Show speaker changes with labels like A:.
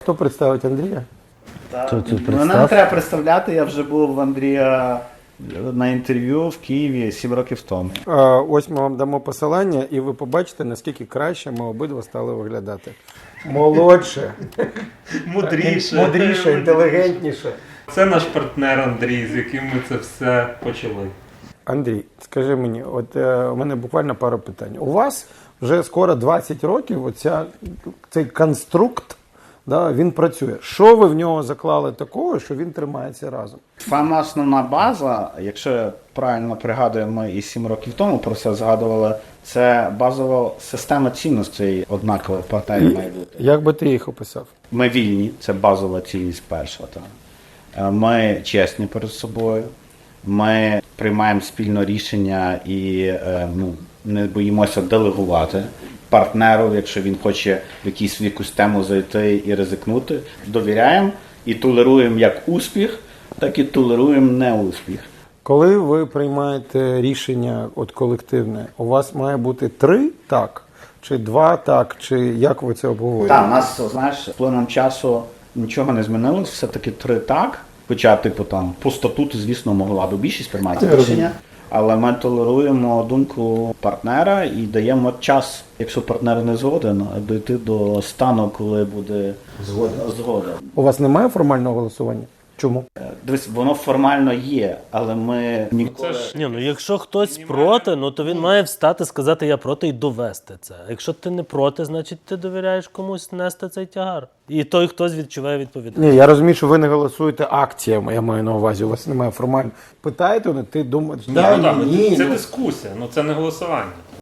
A: Хто представить Андрія?
B: Мене не треба представляти, я вже був в Андрія на інтерв'ю в Києві 7 років тому.
A: Ось ми вам дамо посилання, і ви побачите, наскільки краще ми обидва стали виглядати. Молодше, мудріше, інтелігентніше.
C: Це наш партнер Андрій, з яким ми це все почали.
A: Андрій, скажи мені, от у мене буквально пару питань. У вас вже скоро 20 років цей конструкт, да, він працює. Що ви в нього заклали такого, що він тримається разом?
B: Сама основна база, якщо я правильно пригадую, ми і 7 років тому про це згадували, це базова система цінностей однакова в партнері має бути.
A: Як би ти їх описав?
B: Ми вільні, це базова цінність перша. Ми чесні перед собою, ми приймаємо спільне рішення і не боїмося делегувати партнеру, якщо він хоче в якусь тему зайти і ризикнути. Довіряємо і толеруємо як успіх, так і толеруємо неуспіх.
A: Коли ви приймаєте рішення колективне, у вас має бути 3 так, чи 2 так, чи як ви це обговорюєте?
B: Так, у нас, знаєш, з плином часу нічого не змінилось, все-таки 3 так. Хоча, по статуту, звісно, могла би більшість приймати рішення, але ми толеруємо думку партнера і даємо час, якщо партнер не згоден, дійти до стану, коли буде згода.
A: У вас немає формального голосування? Чому?
B: Дивись, воно формально є, але ми ніколи...
D: Якщо хтось проти, то він має встати, сказати «я проти» і довести це. А якщо ти не проти, значить ти довіряєш комусь нести цей тягар. І той хтось відчуває відповідальність.
A: Ні, я розумію, що ви не голосуєте акціями, я маю на увазі, у вас немає формально. Питаєте, ти думаєш,
C: Це дискусія, це не голосування.